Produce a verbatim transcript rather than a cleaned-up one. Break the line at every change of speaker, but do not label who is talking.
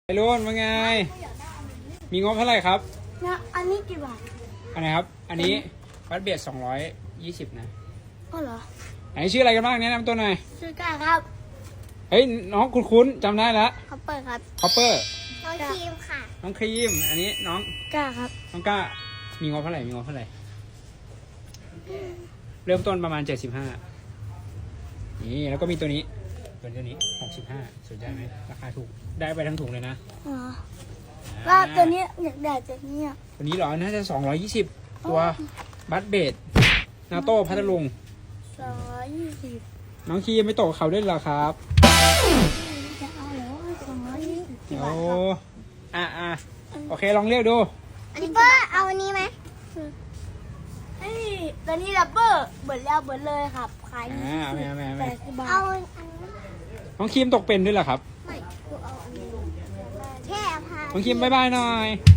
ไอรุ่นว่าไง มีงบเท่าไหร่ครับ
นะอันนี้กี่บาท
อันไหนครับ อันนี้บัตเบียดสองร้อยยี่สิบนะ
อ๋อเหรอ
ไหนชื่ออะไรกันบ้างแนะนำตัวหน่อย
ซื้อกาครับ
เฮ้ยน้องคุ้นๆจำได้แล้ว
เขาเปิดครับ
คอปเปอร์
น้องครีมค่ะ
น้องครีม อันนี้น้อง
กาครับ
น้องก้า มีงบเท่าไหร่ มีงบเท่าไหร่ เริ่มต้นประมาณเจ็ดสิบห้านี่แล้วก็มีตัวนี้ตัวนี้หกสิบห้าสนใจไหมราคาถูก ได้ไปทั้งถุงเลยนะ
อ๋อว่าตัวนี้อยากได้ตัวนี้อ่ะ
ตัวนี้เหรอ น่าจะสองร้อยยี่สิบตัวบัตเบดนาโต้พัทลุง
สองร้อยยี่สิบ
น้องครีมไม่ตกกับเขาด้วยเหรอครับ
จะเอาเหรอสองร้อยยี่สิบ
โอ้อ่ะอ่ะโอเค ลองเรียกดู
อันนี้เปอร์เอาอันนี้ไหมเฮ้ยตัวนี้ดับเบิลเบิร์ดแล้วเบิร์ดเลยครับขาย
อ่าไม่ไม่ไม่
แปดสิบบาทเอาอันนี้
น้องครีมตกเป็นด้วยเหรอครับ
ไม่กูเอาอันนี้แค่พา
น้องครีมบายบายหน่อย